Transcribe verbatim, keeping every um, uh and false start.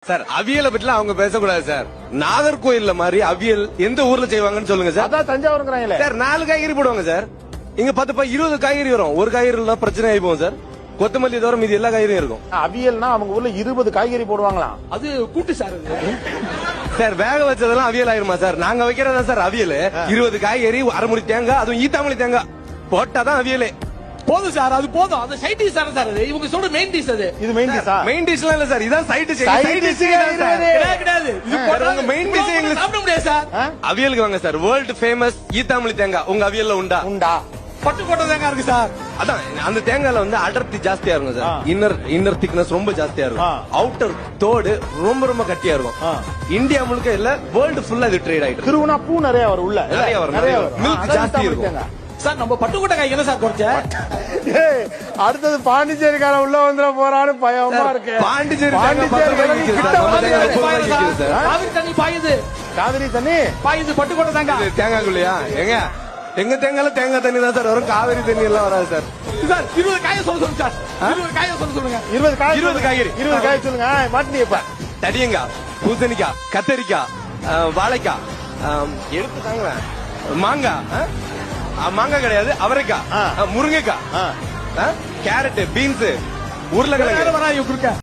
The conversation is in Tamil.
சார் அவியலை பற்றிலாம் அவங்க பேசக்கூடாது சார். நாகர்கோயில்ல மாதிரி அவியல் எந்த ஊர்ல செய்வாங்கன்னு சொல்லுங்க சார். அதான் தஞ்சாவூருங்கிறாங்களே சார். நாலு காய்கறி போடுவாங்க சார். இங்க பத்து பா இருபது காய்கறி வரும். ஒரு காய்கறி பிரச்சனை ஆகி போகும் சார். கொத்தமல்லி தவிர மீதி எல்லா காய்கறியும் இருக்கும். அவியல்னா அவங்க ஊர்ல இருபது காய்கறி போடுவாங்களாம். அது கூட்டு சார். சார் வேக வச்சதெல்லாம் அவியல் ஆயிருமா சார்? நாங்க வைக்கிறதா சார் அவியல். இருபது காய்கறி, அரைமுடி தேங்காய், அதுவும் ஈத்தாமலி தேங்காய் போட்டாதான் அவியலே. போதும் சார், அது போதும். அந்த சைட் டிஷ் தானே சார் அது. இவங்க சொல்ற மெயின் டிஷ் அது. இது மெயின் டிஷ்ஷா? மெயின் டிஷ்லாம் இல்ல சார். இதான் சைட் டிஷ். Side dish கிடையாது கிடையாது. இது உங்க மெயின் டிஷ் எங்களுக்கு சாப்பிட முடியாது சார். அவியலுக்கு வாங்க சார். வேர்ல்ட் ஃபேமஸ் ஈத்தாமலி தேங்காய் உங்க அவியல்ல உண்டா? உண்டா? பட்டுக்கோட்டை தேங்காய் இருக்கு சார். அதான் அந்த தேங்காய்ல வந்து அடர்த்தி ஜாஸ்தியா இருக்கும் சார். இன்னர் இன்னர் திக்னஸ் ரொம்ப ஜாஸ்தியா இருக்கும். அவுட்டர் தோடு ரொம்ப ரொம்ப கட்டியா இருக்கும். இந்தியா முழுக்க இல்ல, வேர்ல்டு ஃபுல்லா இது ட்ரேட் ஆயிட்டு. திருவுனா பூ நிறைய வரும் உள்ள. நிறைய வரும். நிறைய வரும். மில்க் ஜாஸ்தி இருக்கும் சார். நம்ம பட்டுக்கோட்டை காய் என்ன சார் குறைச்ச? அடுத்தது பாண்டிச்சேரிக்கார உள்ள வந்துட போறான்னு பயமா இருக்கு. பாண்டிச்சேரி காவிரி தண்ணி பாயுது. காவிரி தண்ணி பாயுது பட்டுக்கோட்டை தேங்காய். தேங்காய்க்குள்ளையா? எங்க எங்க தேங்காய்ல தேங்காய் தண்ணி தான் சார் வரும். காவிரி தண்ணி எல்லாம் வராது சார். சார் இருபது காய சொல்ல சொல்லுங்க சார். இருபது காய சொல்ல சொல்லுங்க. இருபது காய் இருபது காய்கறி இருபது காய் சொல்லுங்க. மாட்டினியப்ப தடியங்காய், பூசணிக்காய், கத்தரிக்காய், வாழைக்காய், எடுத்து தாங்க, மாங்காய், மாங்காய் கிடையாது, அவரைக்காய், முருங்கைக்காய், கேரட், பீன்ஸ், உருளைக்கிழங்கு.